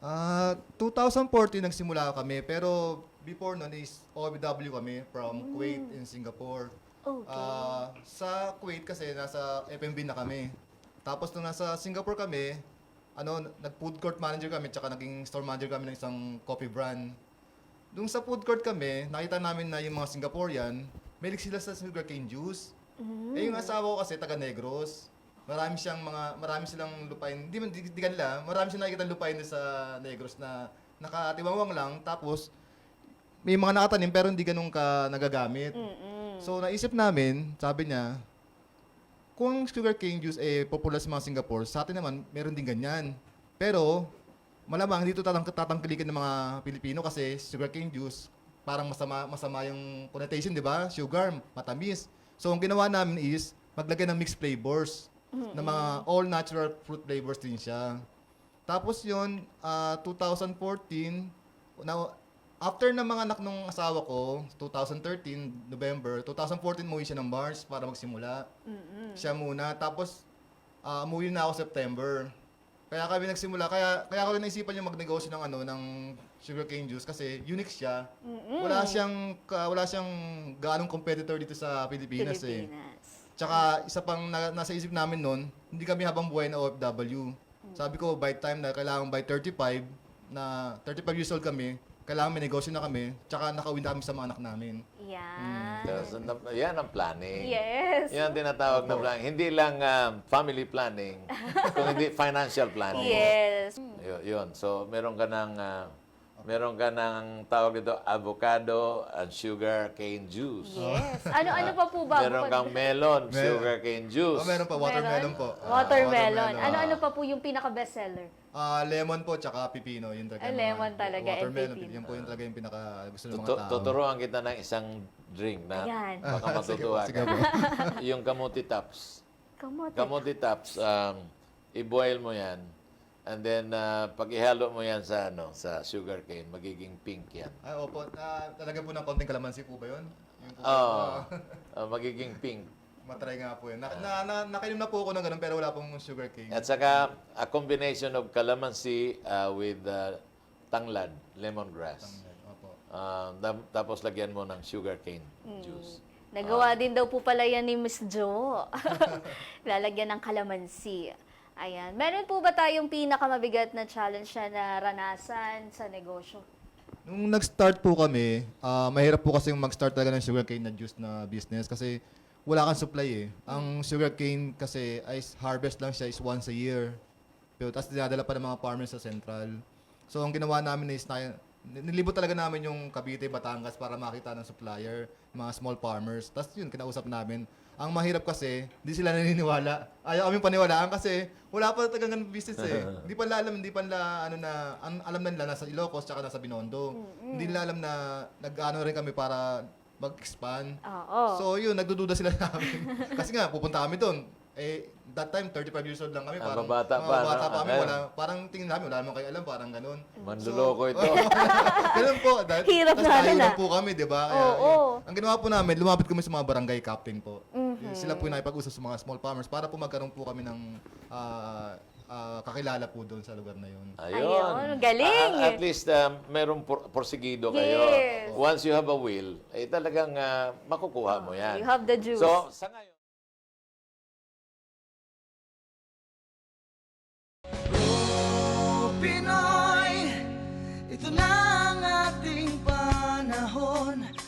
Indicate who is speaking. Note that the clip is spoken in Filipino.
Speaker 1: 2014 nagsimula kami, pero before nun is OFW kami from Kuwait and Singapore.
Speaker 2: Okay.
Speaker 1: Sa Kuwait kasi nasa FMB na kami. Tapos nung nasa Singapore kami, nag-food court manager kami, tsaka naging store manager kami ng isang coffee brand. Nung sa food court kami, nakita namin na yung mga Singaporean, mahilig sila sa sugarcane juice. Eh yung asawa ko kasi taga Negros. Marami silang lupain. Di kanila, marami silang nakikita lupain sa Negros na nakatiwangwang lang. Tapos, may mga nakatanim pero hindi ganun ka nagagamit. So, naisip namin, sabi niya, kung sugarcane juice popular sa mga Singapore, sa atin naman, meron din ganyan. Pero, malamang dito tatangkilikin ng mga Pilipino kasi sugarcane juice, parang masama yung connotation, di ba? Sugar, matamis. So, ang ginawa namin is, maglagay ng mixed flavors na mga all-natural fruit flavors din siya. Tapos yun, 2014, after na mga anak nung asawa ko, 2013, November, 2014 umuwi siya ng Mars para magsimula. Siya muna. Tapos, umuwi na ako September. Kaya kami nagsimula. Kaya ako rin naisipan yung magnegosyo ng sugarcane juice kasi unique siya. Wala siyang ganong competitor dito sa Pilipinas. Tsaka isa pang nasa isip namin noon, hindi kami habang buhay na OFW. Sabi ko, by time na kailangan by 35 years old kami, kailangan may negosyo na kami, tsaka nakauwi na kami sa mga anak namin.
Speaker 2: Yan.
Speaker 3: Yan ang planning.
Speaker 2: Yes.
Speaker 3: Yan ang tinatawag na planning. Hindi lang family planning, kundi financial planning.
Speaker 2: Yes.
Speaker 3: Yun. So, meron ka ng tawag dito, avocado and sugar cane juice.
Speaker 2: Yes. Ano pa po ba?
Speaker 3: Meron kang melon, sugar cane juice.
Speaker 1: Meron pa, watermelon po.
Speaker 2: Watermelon. Ano pa po yung pinaka-bestseller?
Speaker 1: Lemon po, tsaka pipino. Yun talaga.
Speaker 2: Lemon talaga, and
Speaker 1: Watermelon,
Speaker 2: pipino.
Speaker 1: yan po yung talaga yung pinaka gusto ng mga tao.
Speaker 3: Tuturuan kita ng isang drink na
Speaker 2: Ayan.
Speaker 3: baka matutuwa
Speaker 1: Sige
Speaker 3: ka.
Speaker 1: po.
Speaker 3: Yung kamuti tops.
Speaker 2: Kamote.
Speaker 3: Kamuti tops, i-boil mo yan. And then, pag ihalo mo yan sa sugar cane, magiging pink yan.
Speaker 1: Opo. Talaga po ng konting kalamansi po ba yun? Yung po,
Speaker 3: Magiging pink.
Speaker 1: matry nga po yun. Nakainom na po ako ng ganun pero wala pong sugar cane.
Speaker 3: At saka, a combination of calamansi with tanglad, lemongrass.
Speaker 1: Opo.
Speaker 3: Tapos lagyan mo ng sugar cane juice.
Speaker 2: Nagawa din daw po pala yan ni Miss Jo. Lalagyan ng kalamansi. Ayan. Meron po ba tayong pinakamabigat na challenge na naranasan sa negosyo?
Speaker 1: Nung nag-start po kami, mahirap po kasi mag-start talaga ng sugarcane na juice na business kasi wala kang supply eh. Ang sugarcane kasi harvest lang siya is once a year. Pero tapos dinadala pa ng mga farmers sa central. So ang ginawa namin is nilibot talaga namin yung Cavite, Batangas para makita ng supplier, mga small farmers. Tapos yun, kinausap namin. Ang mahirap kasi, hindi sila naniniwala. Ayaw kami paniwalaan kasi wala pa talagang business eh. Hindi pa nila alam na nila nasa Ilocos tsaka nasa Binondo. Hindi nila alam na nag-ano rin kami para mag-expand.
Speaker 2: Oo.
Speaker 1: So yun, nagdududa sila namin. Kasi nga, pupunta kami doon. That time, 35 years old lang kami. Parang,
Speaker 3: Mababata pa,
Speaker 1: mababata
Speaker 3: no?
Speaker 1: pa kami. Parang tingin namin, wala naman kayo alam, parang ganun.
Speaker 3: Manluloko ito.
Speaker 1: Ganun po.
Speaker 2: Hirap na
Speaker 1: Hirap po kami, di ba?
Speaker 2: Oo.
Speaker 1: Ang ginawa po namin, lumapit kami sa mga barangay captain po. Sila po yung nakipag-usap sa mga small farmers para po magkaroon po kami ng kakilala po doon sa lugar na yun.
Speaker 2: Ayun, galing.
Speaker 3: At least merong porsigido kayo.
Speaker 2: Yes.
Speaker 3: Once you have a will, talagang makukuha mo yan.
Speaker 2: You have the juice.
Speaker 3: So, sa ngayon,
Speaker 4: Pinoy, ito na ang ating panahon.